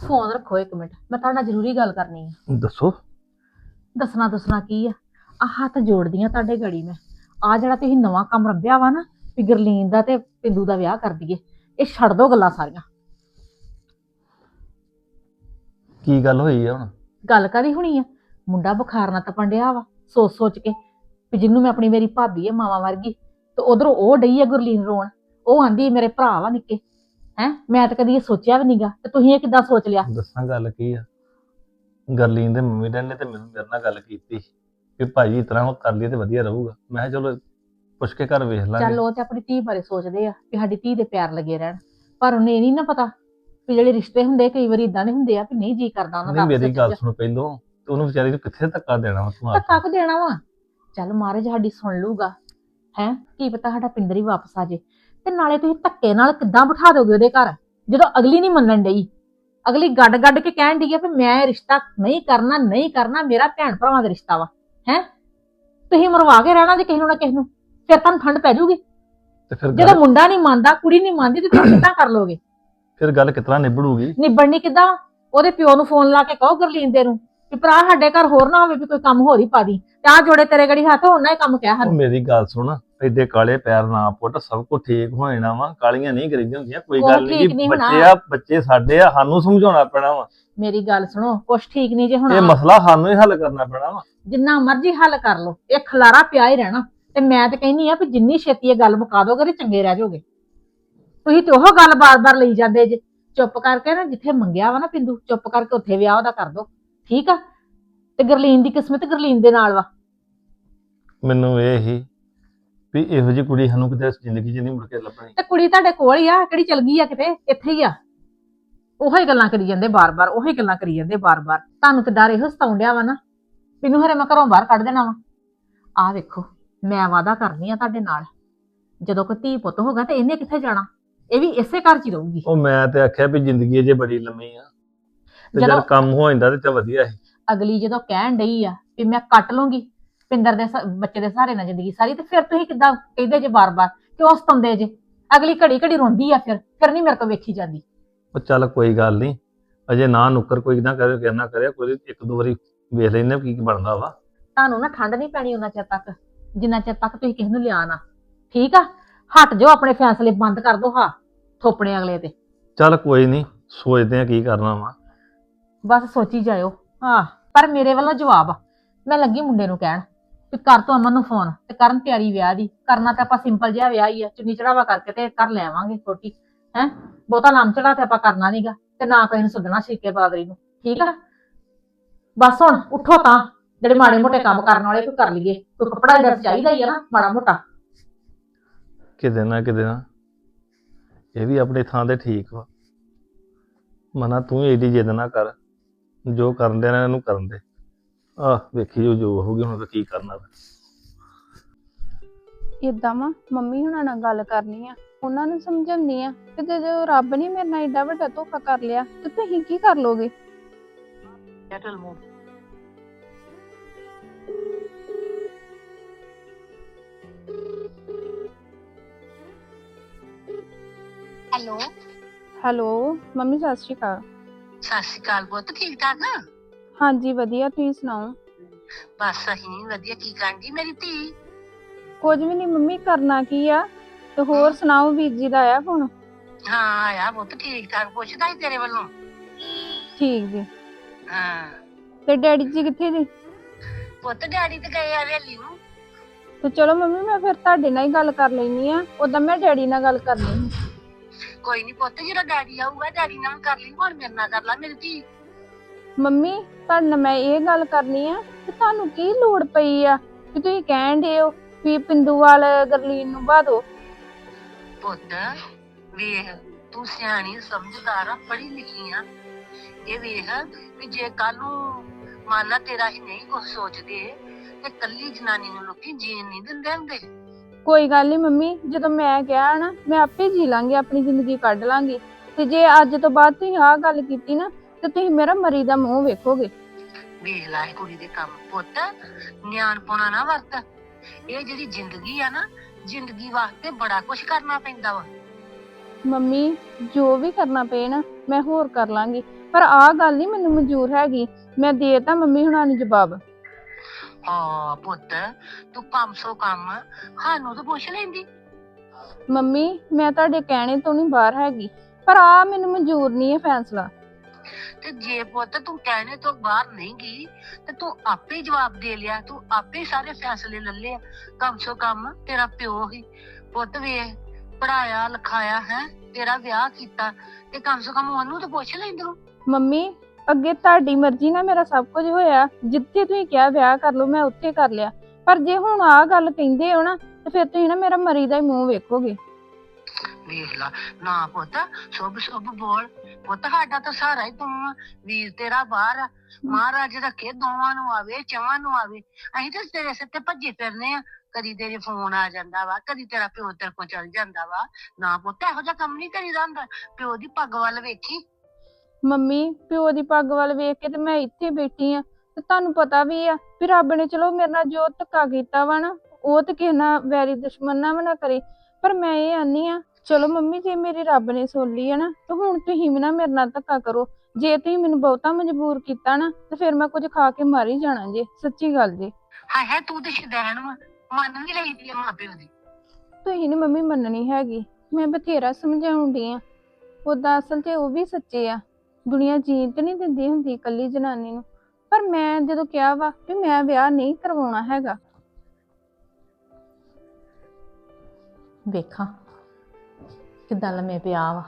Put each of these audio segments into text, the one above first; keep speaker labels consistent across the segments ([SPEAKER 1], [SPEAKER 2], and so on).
[SPEAKER 1] Phone ਰੱਖੋ ਇੱਕ minute, ਮੈਂ ਤੁਹਾਡੇ ਨਾਲ ਜ਼ਰੂਰੀ ਗੱਲ ਕਰਨੀ ਆ।
[SPEAKER 2] ਦੱਸੋ।
[SPEAKER 1] ਦੱਸਣਾ ਕੀ ਆ, ਆ ਹੱਥ ਜੋੜਦੀ ਆ ਤੁਹਾਡੇ ਗੜੀ ਮੈਂ। ਆ ਜਿਹੜਾ ਤੁਸੀਂ ਨਵਾਂ ਕੰਮ ਰੱਬਿਆ ਵਾ ਨਾ ਵੀ ਗਰਲੀਨ ਦਾ ਤੇ ਪਿੰਦੂ ਦਾ ਵਿਆਹ ਕਰ ਦਈਏ, ਇਹ ਛੱਡ ਦੋ ਗੱਲਾਂ ਸਾਰੀਆਂ।
[SPEAKER 2] ਕੀ ਗੱਲ ਹੋਈ ਆ ਹੁਣ?
[SPEAKER 1] ਗੱਲ ਕਾਹਦੀ ਹੋਣੀ ਆ, ਮੁੰਡਾ ਬੁਖਾਰ ਨਾਲ ਤਪਣ ਡਿਆ ਵਾ ਸੋਚ ਸੋਚ ਕੇ ਵੀ ਜਿਹਨੂੰ ਮੈਂ ਆਪਣੀ ਮੇਰੀ ਭਾਬੀ ਆ ਮਾਵਾ ਵਰਗੀ, ਤੇ ਉਧਰੋਂ ਉਹ ਡਈ ਆ ਗੁਰਲੀਨ ਰੋਣ। ਉਹ ਆਂਦੀ ਮੇਰੇ ਭਰਾ ਵਾ ਨਿੱਕੇ। ਹੈ ਮੈਂ ਤਾਂ ਕਦੀ ਇਹ ਸੋਚਿਆ ਵੀ ਨਹੀਂਗਾ, ਤੇ ਤੁਸੀਂ ਇਹ ਕਿੱਦਾਂ ਸੋਚ ਲਿਆ?
[SPEAKER 2] ਦੱਸਾਂ ਗੱਲ ਕੀ ਆ, ਗਰਲੀਨ ਦੇ ਮੰਮੀ ਡੈਡੀ ਨੇ ਤੇ ਮੈਨੂੰ ਮੇਰੇ ਨਾਲ ਗੱਲ ਕੀਤੀ ਕਿ ਭਾਜੀ ਇਸ ਤਰ੍ਹਾਂ ਕਰ ਲਈਏ ਤੇ ਵਧੀਆ ਰਹੂਗਾ। ਮੈਂ ਕਿਹਾ ਚਲੋ ਪੁੱਛ ਕੇ ਘਰ ਵੇਖ ਲਾਂਗੇ।
[SPEAKER 1] ਚੱਲ ਉਹ ਤੇ ਆਪਣੀ ਧੀ ਬਾਰੇ ਸੋਚਦੇ ਆ ਵੀ ਸਾਡੀ ਧੀ ਦੇ ਪਿਆਰ ਲੱਗੇ ਰਹਿਣ, ਪਰ ਉਹਨੇ ਇਹ ਨਹੀਂ ਨਾ ਪਤਾ ਵੀ ਜਿਹੜੇ ਰਿਸ਼ਤੇ ਹੁੰਦੇ ਕਈ ਵਾਰੀ ਇਦਾਂ ਦੇ ਹੁੰਦੇ ਆ ਵੀ ਨਹੀਂ ਜੀ ਕਰਦਾ ਉਹਨਾਂ ਦਾ।
[SPEAKER 2] ਨਹੀਂ ਮੇਰੀ ਗੱਲ ਸੁਣ ਪਹਿਲੋਂ, ਤੇ ਉਹਨੂੰ ਵਿਚਾਰੀ ਨੂੰ ਕਿੱਥੇ ਧੱਕਾ ਦੇਣਾ ਵਾ ਤੂੰ?
[SPEAKER 1] ਧੱਕਾ ਕੁ ਦੇਣਾ ਵਾ, ਚੱਲ ਮਹਾਰਾਜ ਸਾਡੀ ਸੁਣ ਲੂਗਾ। ਹੈ ਕੀ ਪਤਾ ਸਾਡਾ ਪਿੰਦਰ ਹੀ ਵਾਪਸ ਆ ਜੇ। ਤੇ ਨਾਲੇ ਤੁਸੀਂ ਧੱਕੇ ਨਾਲ ਕਿੱਦਾਂ ਬਿਠਾ ਦੋਗੇ ਉਹਦੇ ਘਰ, ਜਦੋਂ ਅਗਲੀ ਨਹੀਂ ਮੰਨਣ ਡਈ? ਅਗਲੀ ਗੱਡ ਗੱਡ ਕੇ ਕਹਿਣ ਡਈ ਆ ਵੀ ਮੈਂ ਇਹ ਰਿਸ਼ਤਾ ਨਹੀਂ ਕਰਨਾ, ਨਹੀਂ ਕਰਨਾ, ਮੇਰਾ ਭੈਣ ਭਰਾਵਾਂ ਦਾ ਰਿਸ਼ਤਾ ਵਾ। ਹੈ ਤੁਸੀਂ ਮਰਵਾ ਕੇ ਰਹਿਣਾ ਜੇ ਕਿਸੇ ਨੂੰ ਨਾ ਕਿਸੇ ਨੂੰ, ਫਿਰ ਤੁਹਾਨੂੰ ਠੰਡ ਪੈ ਜਾਊਗੀ।
[SPEAKER 2] ਤੇ ਫਿਰ
[SPEAKER 1] ਜਦੋਂ ਮੁੰਡਾ ਨਹੀਂ ਮੰਨਦਾ, ਕੁੜੀ ਨਹੀਂ ਮੰਨਦੀ, ਤੇ ਤੁਸੀਂ ਕਿੱਦਾਂ ਕਰ ਲੋਗੇ?
[SPEAKER 2] ਫਿਰ ਗੱਲ ਕਿਤਨਾ ਨਿਬੜੂਗੀ?
[SPEAKER 1] ਨਿਬੜਨੀ ਕਿੱਦਾਂ? ਉਹਦੇ ਪਿਓ ਨੂੰ ਫੋਨ ਲਾ ਕੇ ਕਹੋ ਗਰਲੀਨ ਦੇ ਨੂੰ ਵੀ ਭਰਾ ਸਾਡੇ ਘਰ ਹੋਰ ਨਾ ਹੋਵੇ ਵੀ ਕੋਈ ਕੰਮ ਹੋਰ ਹੀ ਪਾ ਦੀ, ਤੇ ਆ ਜੋੜੇ ਤੇਰੇ ਗੜੀ ਹੱਥ ਹੁਣ ਨਾ ਇਹ ਕੰਮ ਕਿਹਾ
[SPEAKER 2] ਉਹ
[SPEAKER 1] ਹਨ।
[SPEAKER 2] ਮੇਰੀ ਗੱਲ ਸੁਣ, ਐਡੇ ਕਾਲੇ ਪੈਰ ਨਾ ਪੁੱਟ, ਸਭ ਕੁਝ ਠੀਕ ਹੋ ਜਾਣਾ ਵਾ। ਕਾਲੀਆਂ ਨਹੀਂ ਕਰੀਦੀਆਂ ਹੁੰਦੀਆਂ, ਕੋਈ
[SPEAKER 1] ਉਹ
[SPEAKER 2] ਗੱਲ
[SPEAKER 1] ਠੀਕ
[SPEAKER 2] ਨਹੀਂ।
[SPEAKER 1] ਨਹੀਂ ਹੋਣਾ।
[SPEAKER 2] ਬੱਚੇ ਆ, ਬੱਚੇ ਸਾਡੇ ਆ, ਸਾਨੂੰ ਸਮਝਾਉਣਾ ਪੈਣਾ ਵਾ।
[SPEAKER 1] ਮੇਰੀ ਗੱਲ ਸੁਣੋ, ਕੁਛ ਠੀਕ ਨਹੀਂ ਜੇ ਹੁਣ।
[SPEAKER 2] ਇਹ ਮਸਲਾ ਸਾਨੂੰ ਹੀ ਹੱਲ ਕਰਨਾ ਪੈਣਾ ਵਾ।
[SPEAKER 1] ਜਿੰਨਾ ਮਰਜ਼ੀ ਹੱਲ ਕਰ ਲੋ, ਇਹ ਖਲਾਰਾ ਪਿਆ ਹੀ ਰਹਿਣਾ। ਤੇ ਮੈਂ ਤੇ ਕਹਿੰਨੀ ਆ ਵੀ ਜਿੰਨੀ ਛੇਤੀ ਇਹ ਗੱਲ ਮੁਕਾ ਦੋਗੇ ਤੇ ਚੰਗੇ ਰਹਿ ਜਾਓਗੇ। ਤੁਸੀਂ ਤੇ ਉਹ ਗੱਲ ਬਾਰ-ਬਾਰ ਲਈ ਜਾਂਦੇ ਜੇ। ਚੁੱਪ ਕਰਕੇ ਨਾ, ਜਿੱਥੇ ਮੰਗਿਆ ਵਾ ਨਾ ਪਿੰਦੂ, ਚੁੱਪ ਕਰਕੇ ਉੱਥੇ ਵਿਆਹ ਉਹਦਾ ਕਰ ਦੋ, ਠੀਕ ਆ? ਤੇ ਗਰਲੀਨ ਦੀ ਕਿਸਮਤ ਗਰਲੀਨ ਦੇ ਨਾਲ ਵਾ।
[SPEAKER 2] ਮੈਨੂੰ ਇਹ ਹੀ ਵੀ ਇਹੋ ਜਿਹੀ ਕੁੜੀ ਸਾਨੂੰ ਕਿਤੇ ਜ਼ਿੰਦਗੀ 'ਚ ਨਹੀਂ ਮੁੜ ਕੇ ਲੱਭਣੀ।
[SPEAKER 1] ਤੇ ਕੁੜੀ ਤੁਹਾਡੇ ਕੋਲ ਹੀ ਆ, ਕਿਹੜੀ ਚਲ ਗਈ ਆ ਕਿਤੇ? ਇੱਥੇ ਹੀ ਆ। ਉਹੀ ਗੱਲਾਂ ਕਰੀ ਜਾਂਦੇ ਬਾਰ-ਬਾਰ, ਉਹੀ ਗੱਲਾਂ ਕਰੀ ਜਾਂਦੇ ਬਾਰ-ਬਾਰ। ਤੁਹਾਨੂੰ ਤੇ ਡਰ ਇਹੋ ਸਤਾਉਣ ਡਿਆ ਵਾ ਨਾ, ਮੈਨੂੰ ਹਰੇ ਮੈਂ ਘਰੋਂ ਬਾਹਰ ਕੱਢ ਦੇਣਾ ਵਾ। ਆਹ ਵੇਖੋ, ਮੈਂ ਵਾਅਦਾ ਕਰਨੀ ਆ ਤੁਹਾਡੇ ਨਾਲ, ਜਦੋਂ ਕੋਈ ਧੀ ਪੁੱਤ ਹੋਗਾ ਤੇ ਇਹਨੇ ਕਿੱਥੇ ਜਾਣਾ? ਇਹ ਵੀ ਇਸੇ ਘਰ 'ਚ ਹੀ ਰਹੂਗੀ।
[SPEAKER 2] ਉਹ ਮੈਂ ਤੇ ਆਖਿਆ ਵੀ ਜ਼ਿੰਦਗੀ ਜੇ ਬੜੀ ਲੰਮੀ ਆ, ਤੇ ਜਦ ਕੰਮ ਹੋ ਜਾਂਦਾ ਤੇ ਵਧੀਆ ਸੀ।
[SPEAKER 1] ਅਗਲੀ ਜਦੋਂ ਕਹਿਣ ਡਈ ਆ ਵੀ ਮੈਂ ਕੱਟ ਲੂੰਗੀ ਪਿੰਦਰ ਦੇ ਬੱਚੇ ਦੇ ਸਹਾਰੇ ਨਾਲ ਜ਼ਿੰਦਗੀ ਸਾਰੀ, ਤੇ ਫਿਰ ਤੁਸੀਂ ਕਿੱਦਾਂ ਕਹਿੰਦੇ ਜੇ ਬਾਰ-ਬਾਰ? ਕਿਉਂ ਸਤਾਉਂਦੇ ਜੇ? ਅਗਲੀ ਘੜੀ ਘੜੀ ਰੋਂਦੀ ਆ, ਫਿਰ ਨਹੀਂ ਮੇਰੇ ਤੋਂ ਵੇਖੀ ਜਾਂਦੀ।
[SPEAKER 2] ਉਹ ਚੱਲ ਕੋਈ ਗੱਲ ਨਹੀਂ, ਅਜੇ ਨਾ ਨੁੱਕਰ ਕੋਈ ਨਾ ਕਰੇ, ਕਹਿਣਾ ਕਰਿਆ ਕੋਈ, ਇੱਕ ਦੋ ਵਾਰੀ ਵੇਖ ਲੈਨੇ ਕੀ ਬਣਦਾ ਵਾ।
[SPEAKER 1] ਤੁਹਾਨੂੰ ਨਾ ਠੰਡ ਨਹੀਂ ਪੈਣੀ ਉਹਨਾਂ ਚਿਰ ਤੱਕ ਜਿੰਨਾ ਚਿਰ ਤੱਕ ਤੁਸੀਂ ਕਿਸੇ ਨੂੰ ਲਿਆ ਨਾ, ਠੀਕ ਆ? ਹਟ ਜਾਓ, ਆਪਣੇ ਫੈਸਲੇ ਬੰਦ ਕਰ ਦੋ, ਹਾਂ ਥੋਪਣੇ ਅਗਲੇ ਤੇ।
[SPEAKER 2] ਚੱਲ ਕੋਈ ਨਹੀਂ, ਸੋਚਦੇ ਆ ਕੀ ਕਰਨਾ ਵਾ।
[SPEAKER 1] ਬਸ ਸੋਚੀ ਜਾਇਓ। ਹਾਂ, ਪਰ ਮੇਰੇ ਵੱਲੋਂ ਜਵਾਬ ਆ, ਮੈਂ ਲੱਗੀ ਮੁੰਡੇ ਨੂੰ ਕਹਿਣ ਵੀ ਕਰ ਤੂੰ ਅਮਨ ਨੂੰ ਫੋਨ, ਤੇ ਕਰਨ ਤਿਆਰੀ ਵਿਆਹ ਦੀ। ਕਰਨਾ ਤਾਂ ਆਪਾਂ ਸਿੰਪਲ ਜਿਹਾ ਵਿਆਹ ਹੀ ਆ, ਚੁੰਨੀ ਚੜਾਵਾ ਕਰਕੇ ਤੇ ਕਰ ਲੈਵਾਂਗੇ ਛੋਟੀ। ਹੈ ਬਹੁਤਾ ਨਾਮ ਚੜਾ ਤੇ ਆਪਾਂ ਕਰਨਾ ਨੀਗਾ, ਤੇ ਨਾ ਕਿਸੇ ਨੂੰ ਸੱਦਣਾ ਸ਼ੀਕੇ ਬਾਦਰੀ ਨੂੰ, ਠੀਕ ਆ? ਬਸ ਹੁਣ ਉੱਠੋ ਤਾਂ, ਜਿਹੜੇ ਮਾੜੇ ਮੋਟੇ ਕੰਮ ਕਰਨ ਵਾਲੇ ਕੋਈ ਕਰ ਲਈਏ। ਕੋਈ ਕੱਪੜਾ ਜਿਹੜਾ ਚਾਹੀਦਾ ਹੀ ਆ ਨਾ ਮਾੜਾ ਮੋਟਾ।
[SPEAKER 2] ਕਿਤੇ ਨਾ ਇਹ ਵੀ ਆਪਣੀ ਥਾਂ ਤੇ ਠੀਕ ਵਾ। ਮਨਾ ਤੂੰ ਏਡੀ ਜਿੱਦ ਨਾ ਕਰ, ਜੋ ਕਰਨ ਦੇ ਨਾ ਇਹਨੂੰ ਕਰਨ ਦੇ। ਆਹ ਵੇਖੀ ਜੋ ਹੋਊਗੀ, ਹੁਣ ਤਾਂ ਕੀ ਕਰਨਾ।
[SPEAKER 3] ਇਦਾਂ ਵਾ ਮੰਮੀ ਹੁਣਾਂ ਨਾਲ ਗੱਲ ਕਰਨੀ ਆ, ਉਹਨਾਂ ਨੂੰ ਸਮਝਾਉਂਦੀ ਆ ਕਿ ਜੇ ਰੱਬ ਨੇ ਮੇਰੇ ਨਾਲ ਏਡਾ ਵੱਡਾ ਧੋਖਾ ਕਰ ਲਿਆ ਤੇ ਤੁਸੀਂ ਕੀ ਕਰ ਲੋਗੇ?
[SPEAKER 4] ਹੈਲੋ
[SPEAKER 3] ਹੈਲੋ ਮੰਮੀ, ਸਤਿ ਸ਼੍ਰੀ ਅਕਾਲ।
[SPEAKER 4] ਸਤਿ ਸ਼੍ਰੀ ਅਕਾਲ ਪੁੱਤ, ਠੀਕ ਠਾਕ?
[SPEAKER 3] ਹਾਂਜੀ ਵਧੀਆ, ਤੁਸੀਂ ਸੁਣਾਓ?
[SPEAKER 4] ਬਸ ਅਸੀਂ ਵਧੀਆ। ਕੀ ਕਰਦੀ ਮੇਰੀ ਧੀ?
[SPEAKER 3] ਕੁਝ ਵੀ ਨਹੀਂ ਮੰਮੀ, ਕਰਨਾ ਕੀ ਆ? ਤੇ ਹੋਰ ਸੁਣਾਓ, ਵੀਰ ਜੀ ਦਾ ਆਇਆ ਫੋਨ?
[SPEAKER 4] ਹਾਂ ਆਇਆ ਪੁੱਤ, ਠੀਕ ਠਾਕ ਪੁੱਛਦਾ ਸੀ ਤੇਰੇ ਵੱਲੋਂ।
[SPEAKER 3] ਠੀਕ ਜੀ।
[SPEAKER 4] ਹਾਂ
[SPEAKER 3] ਤੇ ਡੈਡੀ ਜੀ ਕਿੱਥੇ ਜੀ?
[SPEAKER 4] ਪੁੱਤ ਡੈਡੀ ਤੇ ਗਏ ਆ ਹਵੇਲੀ ਨੂੰ।
[SPEAKER 3] ਤੇ ਚਲੋ ਮੰਮੀ, ਮੈਂ ਫਿਰ ਤੁਹਾਡੇ ਨਾਲ ਹੀ ਗੱਲ ਕਰ ਲੈਣੀ ਆ, ਉਦਾਂ ਮੈਂ ਡੈਡੀ ਨਾਲ ਗੱਲ ਕਰਨੀ।
[SPEAKER 4] ਕੋਈ ਨੀ ਪੁੱਤ, ਜਦੋਂ ਡੈਡੀ ਆਊਗਾ ਡੈਡੀ ਨਾਲ ਕਰ ਲਈ, ਹੁਣ ਮੇਰੇ ਨਾਲ ਕਰ ਲਾ ਮੇਰੀ ਧੀ।
[SPEAKER 3] ਮੰਮੀ ਤੁਹਾਡੇ ਨਾਲ ਮੈਂ ਇਹ ਗੱਲ ਕਰਨੀ ਆ ਕਿ ਤੁਹਾਨੂੰ ਕੀ ਲੋੜ ਪਈ ਆ ਕਿ ਤੁਸੀਂ ਕਹਿਣ ਦੇ ਹੋ ਵੀ ਪਿੰਦੂ ਵਾਲ ਗਰਲੀਨ ਨੂੰ ਬਾਦੋ?
[SPEAKER 4] ਪੁੱਤ ਵੇਖ, ਤੂੰ ਸਿਆਣੀ ਸਮਝਦਾਰ ਆ, ਪੜ੍ਹੀ ਲਿਖੀ ਆ। ਇਹ ਵੇਖ ਵੀ ਜੇ ਕੱਲ ਨੂੰ ਮੰਨ ਲਾ ਤੇਰਾ ਹੀ ਨਹੀਂ ਕੁਛ ਸੋਚਦੇ ਤੇ ਕੱਲੀ ਜਨਾਨੀ ਨੂੰ ਲੋਕੀ ਜੀਣ ਨਹੀਂ ਦਿੰਦੇ ਹੁੰਦੇ।
[SPEAKER 3] ਕੋਈ ਗੱਲ ਨਹੀਂ ਮੰਮੀ, ਜਦੋਂ ਮੈਂ ਕਿਹਾ ਨਾ ਮੈਂ ਆਪੇ ਜੀ ਲਾਂਗੀ, ਆਪਣੀ ਜ਼ਿੰਦਗੀ ਕੱਢ ਲਾਂਗੀ। ਤੇ ਜੇ ਅੱਜ ਤੋਂ ਬਾਅਦ ਤੁਸੀਂ ਆਹ ਗੱਲ ਕੀਤੀ ਨਾ ਤੇ ਤੁਸੀਂ ਮੇਰਾ ਮਰੀ ਦਾ ਮੂੰਹ ਵੇਖੋਗੇ।
[SPEAKER 4] ਵੇਖ ਲੈ ਕੁੜੀ ਦੇ ਕੰਮ। ਪੁੱਤ ਨਿਆਣਪੁਣਾ ਨਾ ਵਰਤ। ਇਹ ਜਿਹੜੀ ਜ਼ਿੰਦਗੀ ਆ ਨਾ, ਜ਼ਿੰਦਗੀ ਵਾਸਤੇ ਬੜਾ ਕੁਛ ਕਰਨਾ ਪੈਂਦਾ ਵਾ।
[SPEAKER 3] ਮੰਮੀ ਜੋ ਵੀ ਕਰਨਾ ਪਏ ਨਾ ਮੈਂ ਹੋਰ ਕਰ ਲਾਂਗੀ, ਪਰ ਆਹ ਗੱਲ ਨਹੀਂ ਮੈਨੂੰ ਮਨਜ਼ੂਰ ਹੈਗੀ। ਮੈਂ ਦੇਤਾ ਮੰਮੀ ਹੁਣਾਂ ਨੂੰ ਜਵਾਬ।
[SPEAKER 4] ਹਾਂ ਪੁੱਤ, ਤੂੰ ਕੰਮ ਸੋ ਕੰਮ ਸਾਨੂੰ ਤਾਂ ਪੁੱਛ ਲੈਂਦੀ।
[SPEAKER 3] ਮੰਮੀ ਮੈਂ ਤੁਹਾਡੇ ਕਹਿਣੇ ਤੋਂ ਨਹੀਂ ਬਾਹਰ ਹੈਗੀ, ਪਰ ਆਹ ਮੈਨੂੰ ਮਨਜ਼ੂਰ ਨਹੀਂ ਹੈ ਫੈਸਲਾ।
[SPEAKER 4] ਤੇ ਜੇ ਪੁੱਤ ਤੂੰ ਕਹਿਣੇ ਤੋਂ ਬਾਹਰ ਨਹੀਂ ਗਈ ਤੇ ਤੂੰ ਆਪੇ ਹੀ ਜਵਾਬ ਦੇ ਲਿਆ, ਤੂੰ ਆਪੇ ਹੀ ਸਾਰੇ ਫੈਸਲੇ ਲੈ ਲਏ। ਕਮ ਸੋ ਕਮ ਤੇਰਾ ਪਿਓ ਹੀ ਪੁੱਤ ਵੇਖ ਪੜਾਇਆ ਲਿਖਾਇਆ ਹੈ, ਤੇਰਾ ਵਿਆਹ ਕੀਤਾ, ਤੇ ਕਮ ਸੋ ਕਮ ਉਹਨੂੰ ਤਾਂ ਪੁੱਛ ਲੈਂਦੇ।
[SPEAKER 3] ਮੰਮੀ ਅੱਗੇ ਤੁਹਾਡੀ ਮਰਜ਼ੀ ਨਾਲ ਮੇਰਾ ਸਭ ਕੁਝ ਹੋਇਆ, ਜਿੱਥੇ ਤੁਸੀਂ ਕਿਹਾ ਵਿਆਹ ਕਰ ਲਓ ਮੈਂ ਉੱਥੇ ਕਰ ਲਿਆ, ਪਰ ਜੇ ਹੁਣ ਆਹ ਗੱਲ ਕਹਿੰਦੇ ਹੋ ਨਾ ਤੇ ਫਿਰ ਤੁਸੀਂ ਨਾ ਮੇਰਾ ਮਰੀ ਦਾ ਹੀ ਮੂੰਹ ਵੇਖੋਗੇ।
[SPEAKER 4] ਵੇਖ ਲਾ ਨਾ ਪੁੱਤ, ਸ਼ੁਭ ਸ਼ੁਭ ਬੋਲ ਪੁੱਤ, ਸਾਡਾ ਤਾਂ ਸਹਾਰਾ ਹੀ ਤੂੰ ਆ, ਵੀਰ ਤੇਰਾ ਬਾਹਰ ਆ, ਮਹਾਰਾਜ ਰੱਖੇ ਦੋਵਾਂ ਨੂੰ ਆਵੇ ਚਵਾਂ ਨੂੰ ਆਵੇ। ਅਸੀਂ ਤਾਂ ਤੇਰੇ ਸਿਰ ਤੇ ਭੱਜੇ ਫਿਰਨੇ ਆ, ਕਦੀ ਤੇਰੇ ਫੋਨ ਆ ਜਾਂਦਾ ਵਾ, ਕਦੀ ਤੇਰਾ ਪਿਓ ਤੇਰੇ ਕੋਲ ਚਲ ਜਾਂਦਾ ਵਾ। ਨਾ ਪੁੱਤ ਇਹੋ ਜਿਹਾ ਕੰਮ ਨਹੀਂ ਕਰੀਦਾ ਹੁੰਦਾ, ਪਿਓ ਦੀ ਪੱਗ ਵੱਲ ਵੇਖੀ।
[SPEAKER 3] ਮੰਮੀ ਪਿਓ ਦੀ ਪੱਗ ਵੱਲ ਵੇਖ ਕੇ ਤੇ ਮੈਂ ਇੱਥੇ ਬੈਠੀ ਆ, ਤੇ ਤੁਹਾਨੂੰ ਪਤਾ ਵੀ ਆ ਵੀ ਰੱਬ ਨੇ ਚਲੋ ਮੇਰੇ ਨਾਲ ਜੋ ਧੱਕਾ ਕੀਤਾ ਵਾ ਨਾ, ਉਹ ਤੇ ਕਿਸੇ ਨਾਲ ਵੈਰੀ ਦੁਸ਼ਮਣ ਨਾ ਨਾ ਕਰੇ। ਪਰ ਮੈਂ ਇਹ ਆਨੀ ਆ ਚਲੋ ਮੰਮੀ ਜੇ ਮੇਰੀ ਰੱਬ ਨੇ ਸੁਣ ਲਈ ਹੈ ਨਾ, ਤੇ ਹੁਣ ਤੁਸੀਂ ਵੀ ਨਾ ਮੇਰੇ ਨਾਲ ਧੱਕਾ ਕਰੋ। ਜੇ ਤੁਸੀਂ ਮੈਨੂੰ ਬਹੁਤਾ ਮਜਬੂਰ ਕੀਤਾ ਨਾ ਤੇ ਫਿਰ ਮੈਂ ਕੁਝ ਖਾ ਕੇ ਮਰ ਹੀ ਜਾਣਾ ਜੇ, ਸੱਚੀ ਗੱਲ ਜੇ।
[SPEAKER 4] ਹਾਏ ਹਾਏ ਤੂੰ ਤੇ ਸ਼ੁਦੈਣ ਵਾ, ਮੰਨ ਵੀ ਲਈਦੀ ਆ ਮਾਂ ਪਿਓ ਦੀ।
[SPEAKER 3] ਤੁਸੀਂ ਨੀ ਮੰਮੀ ਮੰਨਣੀ ਹੈਗੀ, ਮੈਂ ਬਥੇਰਾ ਸਮਝਾਉਣ ਡਈ ਆ। ਉਦਾਂ ਅਸਲ 'ਚ ਉਹ ਵੀ ਸੱਚੇ ਆ, ਦੁਨੀਆ ਜੀਣ ਤੇ ਨਹੀਂ ਦਿੰਦੀ ਹੁੰਦੀ ਇਕੱਲੀ ਜਨਾਨੀ ਨੂੰ, ਪਰ ਮੈਂ ਜਦੋਂ ਕਿਹਾ ਵਾ ਵੀ ਮੈਂ ਵਿਆਹ ਨਹੀਂ ਕਰਵਾਉਣਾ ਹੈਗਾ।
[SPEAKER 1] ਵੇਖਾਂ ਕਿੱਦਾਂ ਲੰਮੇ ਪਿਆ ਵਾ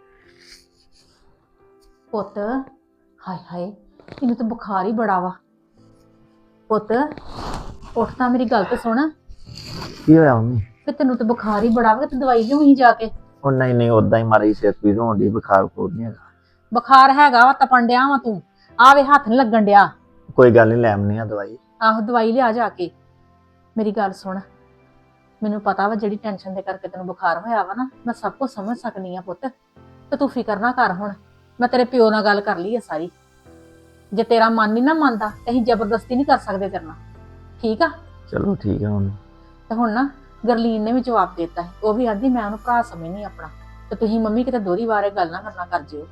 [SPEAKER 1] ਪੁੱਤ। ਹਾਏ ਹਾਏ ਇਹਨੂੰ ਤਾਂ ਬੁਖਾਰ ਹੀ ਬੜਾ ਵਾ। ਪੁੱਤ ਉੱਠ ਤਾਂ ਮੇਰੀ ਗੱਲ ਤੇ ਸੁਣ।
[SPEAKER 5] ਕੀ ਹੋਇਆ ਮੰਮੀ?
[SPEAKER 1] ਕਿ ਤੈਨੂੰ ਤਾਂ ਬੁਖਾਰ ਹੀ ਬੜਾ ਵਾ, ਤੇ ਦਵਾਈ ਲਿਆਉਣੀ ਜਾ ਕੇ।
[SPEAKER 5] ਉਹ ਨਹੀਂ ਉਦਾਂ ਹੀ ਮਾਰੀ ਸਿਰ ਪੀੜ ਹੋਣ ਦੀ, ਬੁਖਾਰ ਕੋਲ ਨਹੀਂ ਹੈਗਾ।
[SPEAKER 1] ਬੁਖਾਰ ਹੈਗਾ ਵਾ, ਤਪਣ ਡਿਆ ਵਾ ਤੂੰ, ਆਵੇ ਹੱਥ ਨੀ ਲੱਗਣ ਡਿਆ।
[SPEAKER 5] ਕੋਈ ਗੱਲ ਨਹੀਂ, ਲੈ ਆਉਣੀ ਆ ਦਵਾਈ।
[SPEAKER 1] ਆਹੋ ਦਵਾਈ ਲਿਆ ਜਾ ਕੇ। ਮੇਰੀ ਗੱਲ ਸੁਣ, ਮੈਨੂੰ ਪਤਾ ਵਾ ਜਿਹੜੀ ਟੈਨਸ਼ਨ ਦੇ ਕਰਕੇ ਤੈਨੂੰ ਬੁਖਾਰ ਹੋਇਆ ਵਾ ਨਾ, ਮੈਂ ਸਭ ਕੁਝ ਸਮਝ ਸਕਨੀ ਆ ਪੁੱਤ, ਤੇ ਤੂੰ ਫਿਕਰ ਨਾ ਕਰ। ਹੁਣ ਮੈਂ ਤੇਰੇ ਪਿਓ ਨਾਲ ਗੱਲ ਕਰ ਲਈ ਆ ਸਾਰੀ, ਜੇ ਤੇਰਾ ਮਨ ਨਹੀਂ ਨਾ ਮੰਨਦਾ ਤੇ ਅਸੀਂ ਜ਼ਬਰਦਸਤੀ ਨਹੀਂ ਕਰ ਸਕਦੇ ਤੇਰੇ ਨਾਲ, ਠੀਕ ਆ?
[SPEAKER 5] ਚਲੋ ਠੀਕ ਆ ਮੰਮੀ।
[SPEAKER 1] ਤੇ ਹੁਣ ਨਾ ਗਰਲੀਨ ਨੇ ਵੀ ਜਵਾਬ ਦੇ ਦਿੱਤਾ, ਉਹ ਵੀ ਆਂਦੀ ਮੈਂ ਉਹਨੂੰ ਭਰਾ ਸਮਝਣੀ ਆਪਣਾ, ਤੇ ਤੁਸੀਂ ਮੰਮੀ ਕਿਤੇ ਦੋਹਰੀ ਵਾਰੇ ਗੱਲ ਨਾ ਕਰਨਾ ਕਰ ਜਿਓ।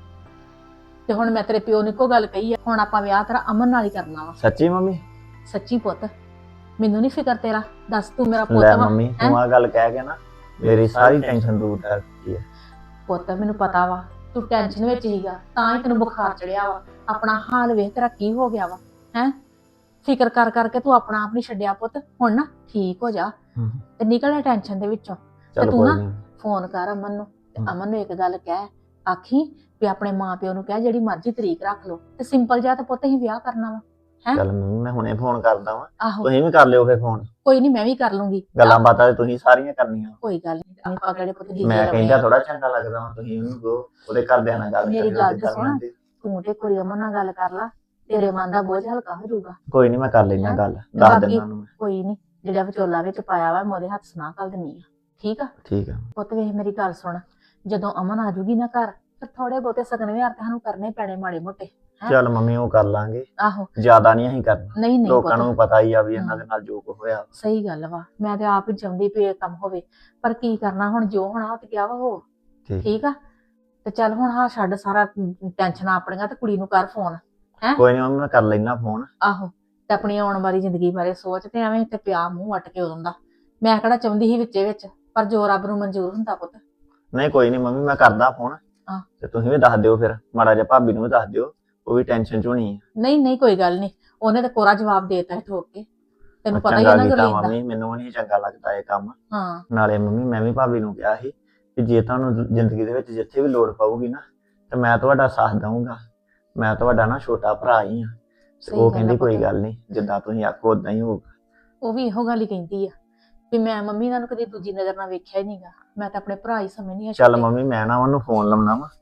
[SPEAKER 1] ਤੇ ਹੁਣ ਮੈਂ ਤੇਰੇ ਪਿਓ ਨੂੰ ਇੱਕੋ ਗੱਲ ਕਹੀ ਆ, ਹੁਣ ਆਪਾਂ ਵਿਆਹ ਤੇਰਾ ਅਮਨ ਨਾਲ ਹੀ ਕਰਨਾ ਵਾ।
[SPEAKER 5] ਸੱਚੀ ਮੰਮੀ?
[SPEAKER 1] ਸੱਚੀ ਪੁੱਤ, ਮੈਨੂੰ ਨਹੀਂ ਫਿਕਰ ਤੇਰਾ, ਦੱਸ ਤੂੰ ਮੇਰਾ ਪੁੱਤ
[SPEAKER 5] ਲੈ
[SPEAKER 1] ਵਾ।
[SPEAKER 5] ਮੰਮੀ ਤੂੰ ਆ ਗੱਲ ਕਹਿ ਕੇ ਨਾ ਮੇਰੀ ਸਾਰੀ ਟੈਨਸ਼ਨ ਦੂਰ ਕਰ ਦਿੱਤੀ ਹੈ।
[SPEAKER 1] ਪੁੱਤ ਮੈਨੂੰ ਪਤਾ ਵਾ ਤੂੰ ਟੈਨਸ਼ਨ ਵਿੱਚ ਹੀਗਾ, ਤਾਂ ਹੀ ਤੈਨੂੰ ਬੁਖਾਰ ਚੜਿਆ ਵਾ। ਆਪਣਾ ਹਾਲ ਵੇਖ ਤੇਰਾ ਕੀ ਹੋ ਗਿਆ ਵਾ, ਹੈ ਫਿਕਰ ਕਰ ਕਰਕੇ ਤੂੰ ਆਪਣਾ ਆਪ ਨਹੀਂ ਛੱਡਿਆ ਪੁੱਤ। ਹੁਣ ਨਾ ਠੀਕ ਹੋ ਜਾ ਤੇ ਨਿਕਲ ਟੈਨਸ਼ਨ ਦੇ ਵਿੱਚੋਂ। ਤੇ
[SPEAKER 5] ਚਲ
[SPEAKER 1] ਤੂੰ
[SPEAKER 5] ਕੋਈ
[SPEAKER 1] ਨਾ
[SPEAKER 5] ਨਹੀਂ।
[SPEAKER 1] ਫੋਨ ਕਰ ਅਮਨ ਨੂੰ, ਤੇ ਅਮਨ ਨੂੰ ਇੱਕ ਗੱਲ ਕਹਿ, ਆਖੀ ਵੀ ਆਪਣੇ ਮਾਂ ਪਿਓ ਨੂੰ ਕਹਿ ਜਿਹੜੀ ਮਰਜ਼ੀ ਤਰੀਕ ਰੱਖ ਲਓ, ਤੇ ਸਿੰਪਲ ਜਿਹਾ ਤੇ ਪੁੱਤ ਅਸੀਂ ਵਿਆਹ ਕਰਨਾ ਵਾ। ਹੈਂ?
[SPEAKER 5] ਚੱਲ ਮੰਮੀ ਮੈਂ ਹੁਣੇ ਫੋਨ ਕਰਦਾ ਵਾਂ,
[SPEAKER 1] ਆਹੋ
[SPEAKER 5] ਤੁਸੀਂ ਵੀ ਕਰ ਲਿਓ ਫੇ ਫੋਨ।
[SPEAKER 1] ਕੋਈ ਨਹੀਂ, ਮੈਂ ਵੀ ਕਰ ਲੂੰਗੀ
[SPEAKER 5] ਗੱਲਾਂ ਬਾਤਾਂ ਤੇ ਤੁਸੀਂ ਸਾਰੀਆਂ ਕਰਨੀਆਂ।
[SPEAKER 1] ਕੋਈ ਗੱਲ ਨਹੀਂ, ਆਪਾਂ ਕਿਹੜੇ ਪੁੱਤ ਜੀ
[SPEAKER 5] ਮੈਂ ਕਹਿੰਦਾ ਥੋੜਾ ਚੰਗਾ ਲੱਗਦਾ ਵਾ, ਤੁਸੀਂ ਉਹਨੂੰ ਕਹੋ ਉਹਦੇ ਘਰਦਿਆਂ ਨਾਲ ਗੱਲ
[SPEAKER 1] ਮੇਰੀ
[SPEAKER 5] ਕਰਿਓ
[SPEAKER 1] ਗੱਲ
[SPEAKER 5] ਜਿੱਦਾਂ
[SPEAKER 1] ਤੇ ਸੁਣ।
[SPEAKER 5] ਬਣਾਉਂਦੇ।
[SPEAKER 1] ਤੂੰ ਤੇ ਕੁੜੀ ਅਮਨ ਨਾਲ ਗੱਲ ਕਰ ਲਾ, ਤੇਰੇ ਮਨ ਦਾ ਬੋਝ ਹਲਕਾ ਹੋ ਜਾਊਗਾ।
[SPEAKER 5] ਕੋਈ ਨਹੀਂ ਮੈਂ ਕਰ ਲੈਣਾ ਗੱਲ, ਦੱਸ
[SPEAKER 1] ਬਾਕੀ
[SPEAKER 5] ਦਿੰਦਾ ਉਹਨੂੰ।
[SPEAKER 1] ਕੋਈ ਨਹੀਂ, ਜਿਹੜਾ ਵਿਚੋਲਾ ਵਿੱਚ ਪਾਇਆ ਵਾ ਮੈਂ ਉਹਦੇ ਹੱਥ ਸੁਣਾ ਕਰ ਦਿੰਨੀ ਆ, ਠੀਕ ਆ?
[SPEAKER 5] ਠੀਕ ਆ।
[SPEAKER 1] ਪੁੱਤ ਵੇਖ ਮੇਰੀ ਗੱਲ ਸੁਣ, ਜਦੋਂ ਅਮਨ ਆ ਜੂਗੀ ਨਾ ਘਰ, ਫਿਰ ਥੋੜੇ ਬਹੁਤੇ ਸਗਨ ਵਿਹਾਰ ਤੇ ਸਾਨੂੰ ਕਰਨੇ ਪੈਣੇ ਮਾੜੇ ਮੋਟੇ।
[SPEAKER 5] ਚੱਲ ਮੰਮੀ ਉਹ ਕਰ ਲਾਂਗੇ,
[SPEAKER 1] ਆਹੋ
[SPEAKER 5] ਜ਼ਿਆਦਾ ਨਹੀਂ ਅਸੀਂ ਕਰਨਾ।
[SPEAKER 1] ਨਹੀਂ ਨਹੀਂ
[SPEAKER 5] ਲੋਕਾਂ
[SPEAKER 1] ਪੁੱਤ,
[SPEAKER 5] ਨੂੰ ਪਤਾ ਹੀ ਆ ਵੀ ਇਹਨਾਂ ਦੇ ਨਾਲ ਜੋ ਕੁ ਹੋਇਆ।
[SPEAKER 1] ਸਹੀ ਗੱਲ ਵਾ, ਮੈਂ ਤੇ ਆਪ ਹੀ ਚਾਹੁੰਦੀ ਵੀ ਇਹ ਕੰਮ ਹੋਵੇ, ਪਰ ਕੀ ਕਰਨਾ ਹੁਣ, ਜੋ ਹੋਣਾ ਉਹ ਤੇ ਕਿਹਾ ਵਾ ਹੋ। ਠੀਕ ਆ? ਤੇ ਚੱਲ ਹੁਣ ਹਾਂ ਛੱਡ ਸਾਰਾ ਟੈਨਸ਼ਨਾਂ ਆਪਣੀਆਂ, ਤੇ ਕੁੜੀ ਨੂੰ ਕਰ ਫੋਨ। ਹੈ
[SPEAKER 5] ਕੋਈ ਨਹੀਂ ਮੰਮੀ ਮੈਂ ਕਰ ਲੈਣਾ ਫੋਨ।
[SPEAKER 1] ਆਹੋ, ਤੇ ਆਪਣੀ ਆਉਣ ਵਾਲੀ ਜ਼ਿੰਦਗੀ ਬਾਰੇ ਸੋਚ, ਤੇ ਐਵੇਂ ਤੇ ਪਿਆ ਮੂੰਹ ਵੱਟ ਕੇ ਉਦੋਂ ਦਾ। ਮੈਂ ਕਿਹੜਾ ਚਾਹੁੰਦੀ ਸੀ ਵਿੱਚੇ ਵਿੱਚ, ਪਰ ਜੋ ਰੱਬ ਨੂੰ ਮਨਜ਼ੂਰ ਹੁੰਦਾ ਪੁੱਤ।
[SPEAKER 5] ਨਹੀਂ ਕੋਈ ਨਹੀਂ ਮੰਮੀ ਮੈਂ ਕਰਦਾ ਫੋਨ,
[SPEAKER 1] ਹਾਂ।
[SPEAKER 5] ਤੇ ਤੁਸੀਂ ਵੀ ਦੱਸ ਦਿਓ ਫਿਰ, ਮਾੜਾ ਜਿਹਾ ਭਾਬੀ ਨੂੰ ਵੀ ਦੱਸ ਦਿਓ, ਉਹ ਵੀ ਟੈਨਸ਼ਨ ਚ ਹੋਣੀ ਹੈ।
[SPEAKER 1] ਨਹੀਂ ਨਹੀਂ ਕੋਈ ਗੱਲ ਨਹੀਂ, ਉਹਨੇ ਤਾਂ ਕੋਰਾ ਜਵਾਬ ਦੇਤਾ ਹੈ ਠੋਕ ਕੇ, ਤੈਨੂੰ ਪਤਾ ਹੀ
[SPEAKER 5] ਚੰਗਾ
[SPEAKER 1] ਹੈ ਨਾ
[SPEAKER 5] ਕੀਤਾ
[SPEAKER 1] ਗੁਰਲੀਨ ਦਾ।
[SPEAKER 5] ਮੰਮੀ, ਮੈਨੂੰ ਨਹੀਂ ਚੰਗਾ ਲੱਗਦਾ ਇਹ ਕੰਮ।
[SPEAKER 1] ਹਾਂ
[SPEAKER 5] ਨਾਲੇ ਮੰਮੀ ਮੈਂ ਵੀ ਭਾਬੀ ਨੂੰ ਕਿਹਾ ਸੀ ਕਿ ਜੇ ਤੁਹਾਨੂੰ ਜ਼ਿੰਦਗੀ ਦੇ ਵਿੱਚ ਜਿੱਥੇ ਵੀ ਲੋੜ ਪਊਗੀ ਨਾ, ਤੇ ਮੈਂ ਤੁਹਾਡਾ ਸਾਥ ਦਊਂਗਾ। ਮੈਂ ਤੁਹਾਡਾ ਨਾ ਛੋਟਾ ਭਰਾ ਹੀ ਆ।
[SPEAKER 1] ਸਹੀ
[SPEAKER 5] ਉਹ
[SPEAKER 1] ਗੱਲ ਆ
[SPEAKER 5] ਕਹਿੰਦੀ ਕੋਈ
[SPEAKER 1] ਪੁੱਤ।
[SPEAKER 5] ਗੱਲ ਨਹੀਂ, ਜਿੱਦਾਂ ਤੁਸੀਂ ਆਖੋ ਉਦਾਂ ਹੀ ਹੋਊਗਾ।
[SPEAKER 1] ਉਹ ਵੀ ਇਹੋ ਗੱਲ ਹੀ ਕਹਿੰਦੀ ਆ ਵੀ ਮੈਂ ਮੰਮੀ ਇਹਨਾਂ ਨੂੰ ਕਦੀ ਦੂਜੀ ਨਜ਼ਰ ਨਾਲ ਵੇਖਿਆ ਹੀ ਨਹੀਂਗਾ, ਮੈਂ ਤਾਂ ਆਪਣੇ ਭਰਾ ਹੀ ਸਮਝਦੀ ਆ।
[SPEAKER 5] ਚੱਲ ਮੰਮੀ ਮੈਂ ਨਾ ਉਹਨੂੰ ਫੋਨ ਲਾਉਣਾ ਵਾ।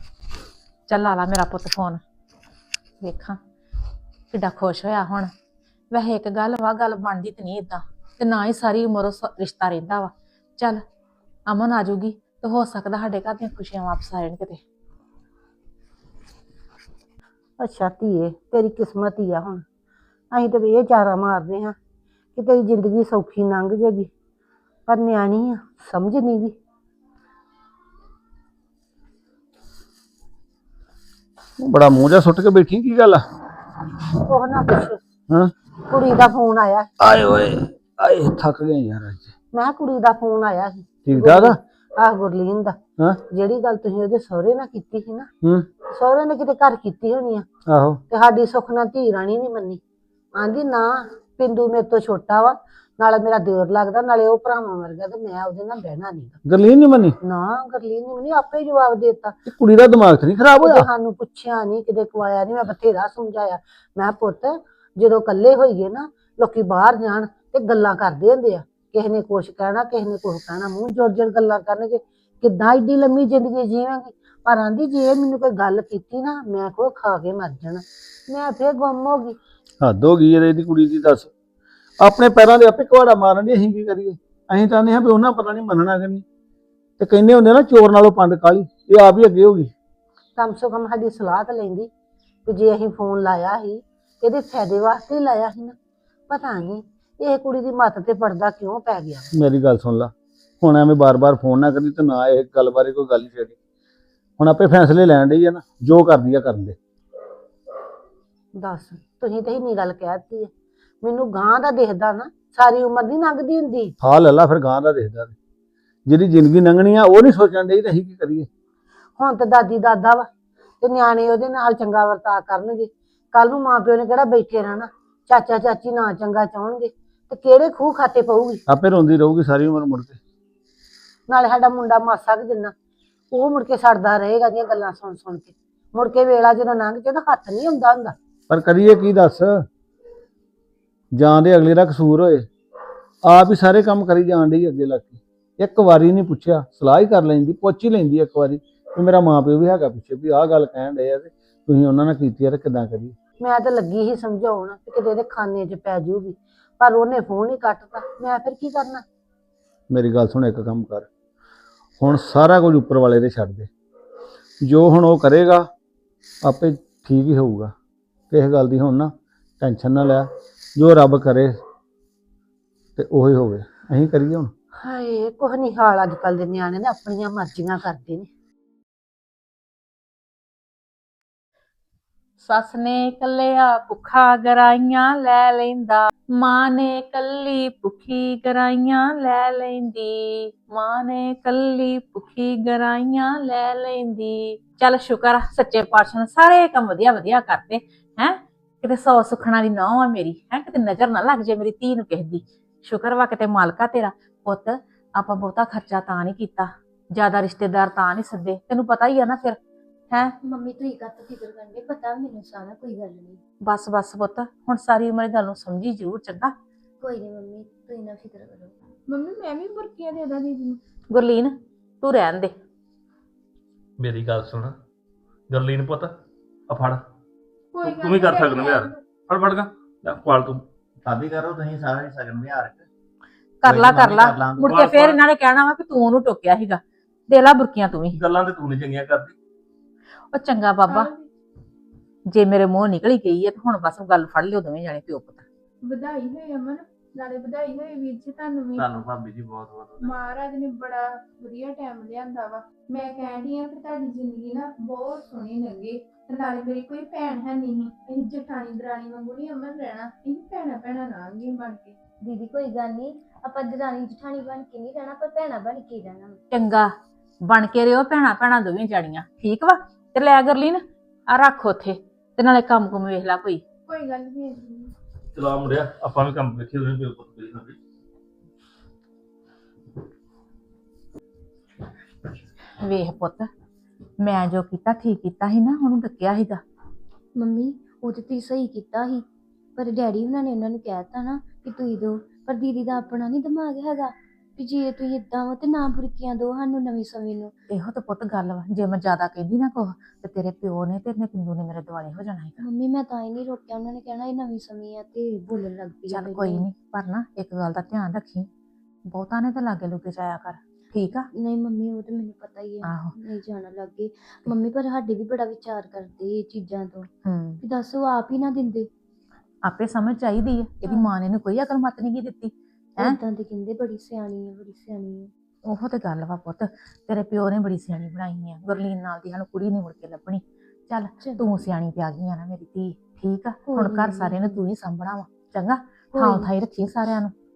[SPEAKER 1] ਚੱਲ ਲਾ ਲਾ ਮੇਰਾ ਪੁੱਤ ਫੋਨ, ਵੇਖਾਂ ਕਿੱਡਾ ਖੁਸ਼ ਹੋਇਆ ਹੁਣ। ਵੈਸੇ ਇੱਕ ਗੱਲ ਵਾ, ਗੱਲ ਬਣਦੀ ਤੇ ਨਹੀਂ ਏਦਾਂ, ਤੇ ਨਾ ਹੀ ਸਾਰੀ ਉਮਰ ਉਹ ਰਿਸ਼ਤਾ ਰਹਿੰਦਾ ਵਾ। ਚੱਲ ਅਮਨ ਆ ਜਾਊਗੀ ਤੇ ਹੋ ਸਕਦਾ ਸਾਡੇ ਘਰ ਦੀਆਂ ਖੁਸ਼ੀਆਂ ਵਾਪਸ ਆ ਜਾਣ ਕਿਤੇ।
[SPEAKER 6] ਅੱਛਾ ਧੀਏ, ਤੇਰੀ ਕਿਸਮਤ ਹੀ ਆ। ਹੁਣ ਅਸੀਂ ਤੇ ਇਹ ਚਾਰਾ ਮਾਰਦੇ ਹਾਂ ਕਿ ਤੇਰੀ ਜ਼ਿੰਦਗੀ ਸੌਖੀ ਲੰਘ ਜਾਏਗੀ, ਪਰ ਨਿਆਣੀ ਆ, ਸਮਝ ਨਹੀਂ ਗਈ।
[SPEAKER 7] ਤੂੰ ਬੜਾ ਮੂੰਹ ਜਿਹਾ ਸੁੱਟ ਕੇ ਬੈਠੀ, ਕੀ ਗੱਲ ਆ?
[SPEAKER 6] ਉਹ ਨਾ ਪੁੱਛ,
[SPEAKER 7] ਹਾਂ,
[SPEAKER 6] ਕੁੜੀ ਦਾ ਫੋਨ ਆਇਆ।
[SPEAKER 7] ਆਏ ਓਏ, ਆਏ ਥੱਕ ਗਏ ਯਾਰ ਅੱਜ।
[SPEAKER 6] ਮੈਂ ਕਿਹਾ ਕੁੜੀ ਦਾ ਫੋਨ ਆਇਆ ਸੀ।
[SPEAKER 7] ਠੀਕ ਠਾਕ ਆ?
[SPEAKER 6] ਆਹ ਗੁਰਲੀਨ ਦਾ।
[SPEAKER 7] ਹਾਂ,
[SPEAKER 6] ਜਿਹੜੀ ਗੱਲ ਤੁਸੀਂ ਉਹਦੇ ਸਹੁਰੇ ਨਾਲ ਕੀਤੀ ਸੀ ਨਾ,
[SPEAKER 7] ਹੂੰ,
[SPEAKER 6] ਸਹੁਰੇ ਨੇ ਕਿਤੇ ਘਰ ਕੀਤੀ ਹੋਣੀ ਆ
[SPEAKER 7] ਆਹੋ।
[SPEAKER 6] ਤੇ ਸਾਡੀ ਸੁੱਖ ਨਾਲ ਧੀ ਰਾਣੀ ਨਹੀਂ ਮੰਨੀ। ਆਂਦੀ ਨਾ, ਪਿੰਦੂ ਮੇਰੇ ਤੋਂ ਛੋਟਾ ਵਾ, ਨਾਲੇ ਮੇਰਾ ਦਿਓਰ ਲੱਗਦਾ, ਨਾਲੇ ਉਹ ਭਰਾਵਾਂ ਵਰਗਾ, ਤੇ ਮੈਂ ਉਹਦੇ ਨਾਲ ਬਹਿਣਾ ਨਹੀਂ।
[SPEAKER 7] ਗਰਲੀਨ ਨਹੀਂ ਮੰਨੀ?
[SPEAKER 6] ਨਾ, ਗੁਰਲੀਨ ਨੇ ਮੈਨੂੰ ਆਪੇ ਹੀ ਜਵਾਬ ਦੇ ਦਿੱਤਾ।
[SPEAKER 7] ਇਹ ਕੁੜੀ ਦਾ ਦਿਮਾਗ ਤੇ ਨਹੀਂ ਖਰਾਬ
[SPEAKER 6] ਕਿਤੇ
[SPEAKER 7] ਹੋਇਆ?
[SPEAKER 6] ਸਾਨੂੰ ਪੁੱਛਿਆ ਨਹੀਂ, ਕਿਤੇ ਕਵਾਇਆ ਨਹੀਂ। ਮੈਂ ਬਥੇਰਾ ਸਮਝਾਇਆ। ਮੈਂ ਪੁੱਤ, ਜਦੋਂ ਇਕੱਲੇ ਹੋਈਏ ਨਾ, ਲੋਕੀ ਬਾਹਰ ਜਾਣ ਤੇ ਗੱਲਾਂ ਕਰਦੇ ਹੁੰਦੇ ਆ। ਕਿਸੇ ਨੇ ਕੁਛ ਕਹਿਣਾ, ਕਿਸੇ ਨੇ ਕੁਛ ਕਹਿਣਾ, ਮੂੰਹ ਜੋਰ ਗੱਲਾਂ ਕਰਨਗੇ। ਕਿੱਦਾਂ ਏਡੀ ਲੰਮੀ ਜ਼ਿੰਦਗੀ ਜੀਵਾਂਗੀ। ਪਰ ਆਂਦੀ ਜੇ ਮੈਨੂੰ ਕੋਈ ਗੱਲ ਕੀਤੀ ਨਾ, ਮੈਂ ਕੋ ਖਾ ਕੇ ਮਰ ਜਾਣਾ। ਮੈਂ ਫੇਰ ਗੁੰਮ ਹੋ ਗਈ।
[SPEAKER 7] ਹੱਦ ਹੋ ਗਈ ਇਹਦੀ ਕੁੜੀ ਦੀ, ਦੱਸ। ਆਪਣੇ ਪੈਰਾਂ ਦੇ ਆਪੇ ਕੁਹਾੜਾ ਮਾਰਨ ਦੀ, ਅਸੀਂ ਕੀ ਕਰੀਏ? ਅਸੀਂ ਚਾਹੁੰਦੇ ਹਾਂ ਵੀ ਉਹਨਾਂ ਪਤਾ ਨਹੀਂ ਮੰਨਣਾ ਕਿ ਨਹੀਂ। ਤੇ ਕਹਿੰਦੇ ਹੁੰਦੇ ਨਾ, ਚੋਰ ਨਾਲੋਂ ਪੰਡ ਕਾਲੀ। ਇਹ ਆਪ ਹੀ ਅੱਗੇ ਹੋ ਗਈ।
[SPEAKER 6] ਕਮ ਸੋ ਕਮ ਸਾਡੀ ਸਲਾਹ ਤਾਂ ਲੈਂਦੀ ਵੀ ਜੇ ਅਸੀਂ ਫੋਨ ਲਾਇਆ ਸੀ, ਇਹਦੇ ਫਾਇਦੇ ਵਾਸਤੇ ਹੀ ਲਾਇਆ ਸੀ ਨਾ। ਪਤਾ ਨਹੀਂ ਇਹ ਕੁੜੀ ਦੀ ਮੱਤ ਤੇ ਪਰਦਾ ਕਿਉਂ ਪੈ ਗਿਆ।
[SPEAKER 7] ਮੇਰੀ ਗੱਲ ਸੁਣ ਲਾ, ਹੁਣ ਐਵੇਂ ਬਾਰ-ਬਾਰ ਫੋਨ ਨਾ ਕਰੀ ਤੇ ਨਾ ਇਹ ਗੱਲ ਬਾਰੇ ਕੋਈ ਗੱਲ ਹੀ ਛੇੜੀ। ਹੁਣ ਆਪੇ ਫੈਸਲੇ ਲੈਣ ਡਈ ਆ ਨਾ, ਜੋ ਕਰਦੀ ਆ ਕਰਨ ਦੇ।
[SPEAKER 6] ਦੱਸ, ਤੁਸੀਂ ਤੇ ਇੰਨੀ ਗੱਲ ਕਹਿ ਦਿੱਤੀ ਹੈ। ਮੈਨੂੰ ਗਾਂ ਦਾ ਦਿਖਦਾ ਨਾ, ਸਾਰੀ ਉਮਰ ਨਹੀਂ ਲੰਘਦੀ ਹੁੰਦੀ।
[SPEAKER 7] ਹਾਂ ਲੈ ਲਾ ਫਿਰ, ਗਾਂ ਦਾ ਦੇਖਦਾ ਤੇ। ਜਿਹੜੀ ਜ਼ਿੰਦਗੀ ਲੰਘਣੀ ਆ ਉਹ ਨਹੀਂ ਸੋਚਣ ਡਈ ਤੇ ਅਸੀਂ ਕੀ ਕਰੀਏ?
[SPEAKER 6] ਹੁਣ ਤਾਂ ਦਾਦੀ ਦਾਦਾ ਵਾ ਤੇ ਨਿਆਣੇ ਉਹਦੇ ਨਾਲ ਚੰਗਾ ਵਰਤਾਅ ਕਰਨਗੇ। ਕੱਲ ਨੂੰ ਮਾਂ ਪਿਓ ਨੇ ਕਿਹੜਾ ਬੈਠੇ ਰਹਿਣਾ। ਚਾਚਾ ਚਾਚੀ ਨਾ ਚੰਗਾ ਚਾਹਣਗੇ ਤੇ ਕਿਹੜੇ ਖੂਹ ਖਾਤੇ ਪਊਗੀ।
[SPEAKER 7] ਆਪੇ ਰੋਂਦੀ ਰਹੂਗੀ ਸਾਰੀ ਉਮਰ ਮੁੜ ਕੇ।
[SPEAKER 6] ਨਾਲੇ ਸਾਡਾ ਮੁੰਡਾ ਮਾਸਾ ਕੁ ਜਿੰਨਾ, ਉਹ ਮੁੜ ਕੇ ਸੜਦਾ ਰਹੇਗਾ ਦੀਆਂ ਗੱਲਾਂ ਸੁਣ ਸੁਣ ਕੇ। ਮੁੜ ਕੇ ਵੇਲਾ ਜਦੋਂ ਲੰਘ ਜੇ ਤਾਂ ਹੱਥ ਨਹੀਂ ਹੁੰਦਾ ਹੁੰਦਾ।
[SPEAKER 7] ਪਰ ਕਰੀਏ ਕੀ ਦੱਸ? ਜਾਂ ਦੇ ਅਗਲੇ ਦਾ ਕਸੂਰ ਹੋਏ, ਆਪ ਹੀ ਸਾਰੇ ਕੰਮ ਕਰੀ ਜਾਣ ਡਈ ਅੱਗੇ ਲੱਗ ਕੇ। ਇੱਕ ਵਾਰੀ ਨਹੀਂ ਪੁੱਛਿਆ, ਸਲਾਹ ਹੀ ਕਰ ਲੈਂਦੀ, ਪੁੱਛ ਹੀ ਲੈਂਦੀ ਇੱਕ ਵਾਰੀ ਵੀ ਮੇਰਾ ਮਾਂ ਪਿਓ ਵੀ ਹੈਗਾ ਪਿੱਛੇ, ਵੀ ਆਹ ਗੱਲ ਕਹਿਣ ਡਏ ਆ ਤੇ ਤੁਸੀਂ ਉਹਨਾਂ ਨਾਲ ਕੀਤੀ ਆ ਤੇ ਕਿੱਦਾਂ ਕਰੀਏ?
[SPEAKER 6] ਮੈਂ ਤਾਂ ਲੱਗੀ ਹੀ ਸਮਝਾਉਣ ਕਿ ਕਿਤੇ ਇਹਦੇ ਖਾਨੇ 'ਚ ਪੈ ਜਾਊਗੀ, ਪਰ ਉਹਨੇ ਫੋਨ ਹੀ ਕੱਟਤਾ। ਮੈਂ ਫਿਰ ਕੀ ਕਰਨਾ?
[SPEAKER 7] ਮੇਰੀ ਗੱਲ ਸੁਣ, ਇੱਕ ਕੰਮ ਕਰ, ਹੁਣ ਸਾਰਾ ਕੁਝ ਉੱਪਰ ਵਾਲੇ ਦੇ ਛੱਡ ਦੇ। ਜੋ ਹੁਣ ਉਹ ਕਰੇਗਾ ਆਪੇ ਠੀਕ ਹੀ ਹੋਊਗਾ। ਕਿਸੇ ਗੱਲ ਦੀ ਹੁਣ ਨਾ ਟੈਨਸ਼ਨ ਨਾ ਲੈ, ਜੋ ਰੱਬ ਕਰੇ ਤੇ ਉਹੀ ਹੋਵੇ। ਅਸੀਂ ਕਰੀਏ ਹੁਣ?
[SPEAKER 6] ਹਾਏ, ਕੁਛ ਨਹੀਂ ਹਾਲ ਅੱਜ ਕੱਲ ਦੇ ਨਿਆਣੇ ਨੇ, ਆਪਣੀਆਂ ਮਰਜ਼ੀਆਂ ਕਰਦੇ ਨੇ।
[SPEAKER 1] ਸੱਸ ਨੇ ਕੱਲਿਆ ਭੁੱਖਾ ਗਰਾਈਆਂ ਲੈ ਲੈਂਦਾ, ਮਾਂ ਨੇ ਕੱਲੀ ਭੁੱਖੀ ਗਰਾਈਆਂ ਲੈ ਲੈਂਦੀ, ਮਾਂ ਨੇ ਕੱਲੀ ਭੁੱਖੀ ਗਰਾਈਆਂ ਲੈ ਲੈਂਦੀ। ਚੱਲ ਸ਼ੁਕਰ ਆ ਸੱਚੇ ਪਾਤਸ਼ਾਹ ਨੇ ਸਾਰੇ ਕੰਮ ਵਧੀਆ ਵਧੀਆ ਕਰਤੇ ਹੈ। ਕਿਤੇ 100 ਸੁਖਣਾ ਦੀ ਨੌਂ ਆ ਮੇਰੀ ਹੈ, ਕਿਤੇ ਨਜ਼ਰ ਨਾ ਲੱਗ ਜੇ ਮੇਰੀ ਧੀ ਨੂੰ ਕਿਸੇ ਦੀ। ਸ਼ੁਕਰ ਵਾ ਕਿਤੇ ਮਾਲਕਾ ਤੇਰਾ। ਪੁੱਤ, ਆਪਾਂ ਬਹੁਤਾ ਖਰਚਾ ਤਾਂ ਨਹੀਂ ਕੀਤਾ, ਜ਼ਿਆਦਾ ਰਿਸ਼ਤੇਦਾਰ ਤਾਂ ਨਹੀਂ ਸੱਦੇ, ਤੈਨੂੰ ਪਤਾ ਹੀ ਆ ਨਾ ਫਿਰ ਹੈ।
[SPEAKER 8] ਮੰਮੀ ਤੁਸੀਂ ਕਾਹਤੋਂ ਫਿਕਰ ਕਰਦੇ? ਪਤਾ ਮੈਨੂੰ ਸਾਰਾ, ਕੋਈ ਗੱਲ ਨਹੀਂ।
[SPEAKER 1] ਬਸ ਬਸ ਪੁੱਤ, ਹੁਣ ਸਾਰੀ ਉਮਰ ਇਹ ਗੱਲ ਨੂੰ ਸਮਝੀ ਜ਼ਰੂਰ, ਚੰਗਾ।
[SPEAKER 8] ਕੋਈ ਨਹੀਂ ਮੰਮੀ, ਤੁਸੀਂ ਨਾ ਫਿਕਰ ਕਰੋ।
[SPEAKER 3] ਮੰਮੀ ਮੈਂ ਵੀ ਬੁਰਕੀਆਂ ਦੇ ਦਾਂ ਦੀਦੀ ਨੂੰ।
[SPEAKER 1] ਗੁਰਲੀਨ, ਤੂੰ ਰਹਿਣ ਦੇ।
[SPEAKER 2] ਮੇਰੀ ਗੱਲ ਸੁਣ ਗਰਲੀਨ ਪੁੱਤ, ਆ ਫੜ।
[SPEAKER 3] ਕੋਈ
[SPEAKER 2] ਤੂੰ ਵੀ ਕਰ ਸਕਦਾ ਯਾਰ, ਫੜ ਫੜ ਗਾ ਲੈ ਖਵਾਲ ਤੂੰ।
[SPEAKER 5] ਭਾਬੀ ਕਰੋ ਤੁਸੀਂ ਸਾਰੇ ਸਗਨ ਵਿਹਾਰ।
[SPEAKER 1] ਕਰ ਲਾ
[SPEAKER 5] ਕੋਈ ਨੀ,
[SPEAKER 1] ਕਰ ਲਾ,
[SPEAKER 5] ਕਰ ਲਾਂਗੇ।
[SPEAKER 1] ਮੁੜ ਕੇ ਫੇਰ ਇਹਨਾਂ ਨੇ ਕਹਿਣਾ ਵਾ ਕਿ ਤੂੰ ਉਹਨੂੰ ਟੋਕਿਆ ਸੀਗਾ। ਦੇ ਲਾ ਬੁਰਕੀਆਂ ਤੂੰ ਵੀ।
[SPEAKER 2] ਗੱਲਾਂ ਤੇ ਤੂੰ ਨਹੀਂ ਚੰਗੀਆਂ ਕਰਦੀ।
[SPEAKER 1] ਉਹ ਚੰਗਾ ਬਾਬਾ, ਜੇ ਮੇਰੇ ਮੂੰਹ ਨਿਕਲੀ ਗਈ ਹੈ ਤੇ ਹੁਣ ਬਸ ਗੱਲ ਫੜ ਲਿਓ ਦੋਵੇਂ ਜਾਣੇ ਪਿਓ ਪੁੱਤ।
[SPEAKER 3] ਵਧਾਈ ਹੋਏ ਅਮਨ, ਨਾਲੇ ਵਧਾਈ ਹੋਏ ਵੀਰ ਜੀ ਤੁਹਾਨੂੰ ਵੀ।
[SPEAKER 2] ਤੁਹਾਨੂੰ ਭਾਬੀ ਜੀ ਬਹੁਤ ਬਹੁਤ
[SPEAKER 3] ਮਹਾਰਾਜ ਨੇ ਬੜਾ ਵਧੀਆ ਟਾਈਮ ਲਿਆਂਦਾ ਵਾ। ਮੈਂ ਕਹਿੰਦੀ ਆ ਕਿ ਤੁਹਾਡੀ ਜ਼ਿੰਦਗੀ ਨਾ ਬਹੁਤ ਸੋਹਣੀ ਲੱਗੇ। ਤੇ ਨਾਲੇ ਮੇਰੀ ਕੋਈ ਭੈਣ ਹੈ ਨਹੀਂ, ਅਸੀਂ ਜਠਾਣੀ ਦਰਾਣੀ ਵਾਂਗੂ ਨਹੀਂ ਅਮਨ ਰਹਿਣਾ, ਅਸੀਂ ਭੈਣਾਂ ਭੈਣਾਂ ਰਹਾਂਗੇ ਬਣ ਕੇ।
[SPEAKER 8] ਦੀਦੀ ਕੋਈ ਗੱਲ ਨਹੀਂ, ਆਪਾਂ ਦਰਾਣੀ ਜਠਾਣੀ ਬਣ ਕੇ ਨਹੀਂ ਰਹਿਣਾ, ਪਰ ਭੈਣਾਂ ਬਣ ਕੇ ਰਹਿਣਾ।
[SPEAKER 1] ਚੰਗਾ, ਬਣ ਕੇ ਰਿਓ ਭੈਣਾਂ ਭੈਣਾਂ ਦੋਵੇਂ ਜਾਣੀਆਂ, ਠੀਕ ਵਾ। ਤੇ ਲੈ ਗਰਲੀਨ ਆ ਰੱਖ ਉੱਥੇ, ਤੇ ਨਾਲੇ ਕੰਮ ਕੁਮ ਵੇਖ ਲੈ ਕੋਈ।
[SPEAKER 3] ਕੋਈ ਗੱਲ ਨਹੀਂ।
[SPEAKER 2] ਚਲਾ ਮੁੰਡਿਆ, ਆਪਾਂ ਵੀ ਕੰਮ ਵੇਖੀ ਉਹਨੇ ਪਿਓ ਪੁੱਤ ਕਰੀ ਹੋਵੇ।
[SPEAKER 1] ਵੇਖ ਪੁੱਤ, ਮੈਂ ਜੋ ਕੀਤਾ ਠੀਕ ਕੀਤਾ ਸੀ ਨਾ, ਉਹਨੂੰ ਡੱਕਿਆ ਸੀਗਾ।
[SPEAKER 8] ਮੰਮੀ ਉਹ ਤੇ ਤੁਸੀਂ ਸਹੀ ਕੀਤਾ ਸੀ, ਪਰ ਡੈਡੀ ਉਹਨਾਂ ਨੇ ਉਹਨਾਂ ਨੂੰ ਕਹਿ ਦਿੱਤਾ ਨਾ ਕਿ ਤੁਸੀਂ ਦਿਓ। ਪਰ ਦੀਦੀ ਦਾ ਆਪਣਾ ਨਹੀਂ ਦਿਮਾਗ ਹੈਗਾ ਵੀ ਜੇ ਤੁਸੀਂ ਇਦਾਂ ਵਾ ਤੇ ਨਾ ਬੁਰਕੀਆਂ ਦਿਓ ਸਾਨੂੰ ਨਵੀਂ ਸਮੇਂ ਨੂੰ।
[SPEAKER 1] ਇਹੋ ਤਾਂ ਪੁੱਤ ਗੱਲ ਵਾ, ਜੇ ਮੈਂ ਜ਼ਿਆਦਾ ਕਹਿੰਦੀ ਨਾ ਕੁਛ ਤੇ ਤੇਰੇ ਪਿਓ ਨੇ ਤੇ ਪਿੰਦੂ ਨੇ ਮੇਰੇ ਦੁਆਲੇ ਹੋ ਜਾਣਾ ਹੈਗਾ।
[SPEAKER 8] ਮੰਮੀ ਮੈਂ ਤਾਂ ਹੀ ਨਹੀਂ ਰੋਕਿਆ, ਉਹਨਾਂ ਨੇ ਕਹਿਣਾ ਇਹ ਨਵੀਂ ਸਮੇਂ ਆ ਤੇ ਬੋਲਣ ਲੱਗ ਪਈ।
[SPEAKER 1] ਚੱਲ ਕੋਈ ਨਹੀਂ, ਪਰ ਨਾ ਇੱਕ ਗੱਲ ਦਾ ਧਿਆਨ ਰੱਖੀ, ਬਹੁਤਾ ਨੇ ਤਾਂ ਲਾਗੇ ਲੁਕੇ ਜਾਇਆ ਕਰ, ਠੀਕ ਆ।
[SPEAKER 8] ਨਹੀਂ ਮੰਮੀ ਉਹ ਤੇ ਮੈਨੂੰ ਪਤਾ ਹੀ ਹੈ,
[SPEAKER 1] ਆਹੋ।
[SPEAKER 8] ਨਹੀਂ ਜਾਣਾ ਲੱਗੇ। ਮੰਮੀ ਪਰ ਸਾਡੇ ਵੀ ਬੜਾ ਵਿਚਾਰ ਕਰਦੇ ਇਹ ਚੀਜ਼ਾਂ ਤੋਂ,
[SPEAKER 1] ਹੂੰ,
[SPEAKER 8] ਵੀ ਦੱਸੋ ਆਪ ਹੀ ਨਾ ਦਿੰਦੇ।
[SPEAKER 1] ਆਪੇ ਸਮਝ ਚਾਹੀਦੀ ਹੈ, ਇਹਦੀ ਮਾਂ ਨੇ ਇਹਨੂੰ ਕੋਈ ਅਕਲ ਮੱਤ ਨਹੀਂ ਦਿੱਤੀ ਹੈ।
[SPEAKER 8] ਏਦਾਂ ਤੇ ਕਹਿੰਦੇ ਬੜੀ ਸਿਆਣੀ ਹੈ, ਬੜੀ ਸਿਆਣੀ ਹੈ।
[SPEAKER 1] ਉਹ ਤੇ ਗੱਲ ਵਾ ਪੁੱਤ, ਤੇਰੇ ਪਿਓ ਨੇ ਬੜੀ ਸਿਆਣੀ ਬਣਾਈ ਆ। ਗੁਰਲੀਨ ਨਾਲ ਦੀ ਸਾਨੂੰ ਕੁੜੀ ਨਹੀਂ ਮੁੜ ਕੇ ਲੱਭਣੀ, ਚੱਲ
[SPEAKER 8] ਚਲੋ।
[SPEAKER 1] ਤੂੰ ਸਿਆਣੀ ਪਿਆ ਗਈ ਆ ਨਾ ਮੇਰੀ ਧੀ, ਠੀਕ ਆ
[SPEAKER 8] ਕੋਈ
[SPEAKER 1] ਹੁਣ ਘਰ
[SPEAKER 8] ਨੀ।
[SPEAKER 1] ਸਾਰਿਆਂ ਨੂੰ ਤੂੰ ਹੀ ਸੰਭਣਾ ਵਾ, ਚੰਗਾ
[SPEAKER 8] ਕੋਈ
[SPEAKER 1] ਥਾਂ
[SPEAKER 8] ਨੀ।
[SPEAKER 1] ਥਾਈ ਰੱਖੀ ਸਾਰਿਆਂ ਨੂੰ।